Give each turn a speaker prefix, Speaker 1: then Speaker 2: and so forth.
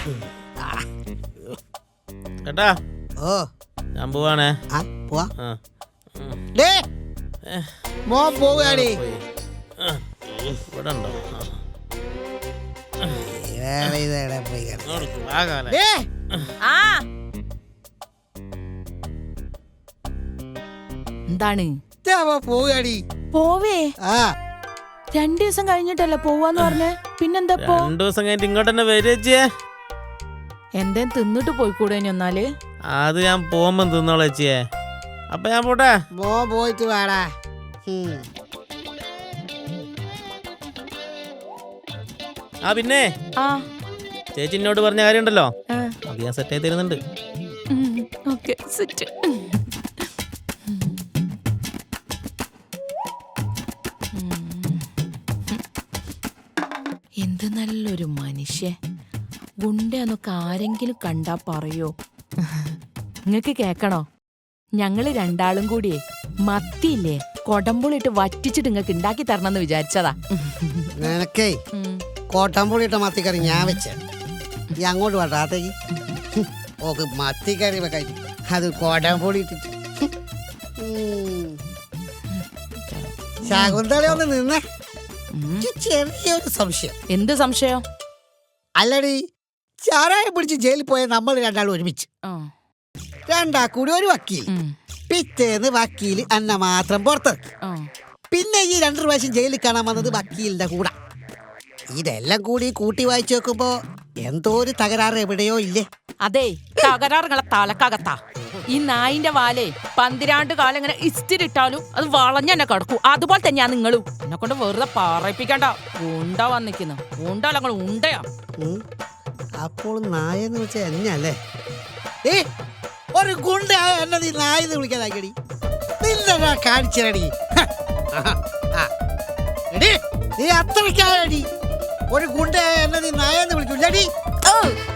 Speaker 1: കേട്ടാ
Speaker 2: ഓ
Speaker 1: ഞാൻ പോവാണേ.
Speaker 2: പോവാ മോൻ പോവുകയാണേ.
Speaker 1: ഇവിടെ ഉണ്ടോ?
Speaker 3: എന്താണ്
Speaker 2: പോവുകയാണി?
Speaker 3: പോവേ
Speaker 2: ആ
Speaker 3: 2 ദിവസം കഴിഞ്ഞിട്ടല്ലേ പോവാന്ന് പറഞ്ഞേ? പിന്നെന്താ
Speaker 1: 2 ദിവസം കഴിഞ്ഞിട്ട് ഇങ്ങോട്ട് തന്നെ വരേച്ചിയെ.
Speaker 3: എന്തേം തിന്നിട്ട് പോയിക്കൂടെ എന്നാല്?
Speaker 1: അത് ഞാൻ പോകുമ്പോ തിന്നോളേച്ചിയെ. അപ്പൊ ഞാൻ പോട്ടെ.
Speaker 2: മോൻ പോയിട്ട് വേടാ.
Speaker 1: പിന്നെ ചേച്ചി എന്നോട് പറഞ്ഞ കാര്യമുണ്ടല്ലോ, അത് ഞാൻ സെറ്റ് ആയി തരുന്നുണ്ട്.
Speaker 3: എന്ത് നല്ലൊരു മനുഷ്യ. ഗുണ്ടന്നൊക്കെ ആരെങ്കിലും കണ്ടാ പറയോ? നിങ്ങക്ക് കേക്കണോ? ഞങ്ങള് 2 കൂടിയേ മത്തിയില്ലേ കൊടമ്പുളിട്ട് വറ്റിച്ചിട്ട് നിങ്ങക്ക് ഉണ്ടാക്കി തരണമെന്ന് വിചാരിച്ചതാ.
Speaker 2: നിനക്കേ കോട്ടമ്പുളിയിട്ട മത്തിക്കറി ഞാൻ വെച്ച ഈ അങ്ങോട്ട് വേണ്ടാത്തേക്ക് ഓക്ക് മത്തിക്കറി വെക്കാൻ അത് കോട്ടമ്പുളി ഇട്ടിട്ട്. ശകുന്തള ഒന്ന് നിന്നേ. ചെറിയൊരു സംശയം.
Speaker 3: എന്ത് സംശയം?
Speaker 2: അല്ലടി, ചാരായം പിടിച്ച് ജയിലിൽ പോയ നമ്മൾ 2 ഒരുമിച്ച്, 2 കൂടി ഒരു വക്കീൽ. പിറ്റേന്ന് വക്കീൽ അന്ന മാത്രം പുറത്തിറക്കി. പിന്നെ ഈ 2 പ്രാവശ്യം ജയിലിൽ കാണാൻ വന്നത് വക്കീലിന്റെ കൂടെ. ഇതെല്ലാം കൂടി കൂട്ടി വായിച്ചു നോക്കുമ്പോ എന്തോ ഒരു തകരാറ് എവിടെയോ ഇല്ലേ?
Speaker 3: അതെ, തകരാറുകളെ തലക്കകത്താ. ഈ നായിന്റെ വാലേ 12 കാലം ഇങ്ങനെ ഇസ്തിരിട്ടാലും അത് വളഞ്ഞെന്നെ കിടക്കൂ. അതുപോലെ തന്നെയാ നിങ്ങളും. എന്നെ കൊണ്ട് വെറുതെ പറയിപ്പിക്കണ്ട. ഉണ്ട വന്നിക്കുന്നു. ഉണ്ടല്ല ഉണ്ടയാ.
Speaker 2: അപ്പോൾ നായെന്ന് വെച്ചാൽ എന്നല്ലേ? ഒരു ഗുണ്ടയായ എന്നെ നീ നായെന്ന് വിളിക്കാതാക്കടി. നിന്നെ കാണിച്ചടി. നീ അത്രയ്ക്കായടി. ഒരു ഗുണ്ടയായ എന്നെ നീ നായെന്ന് വിളിക്കൂലടി.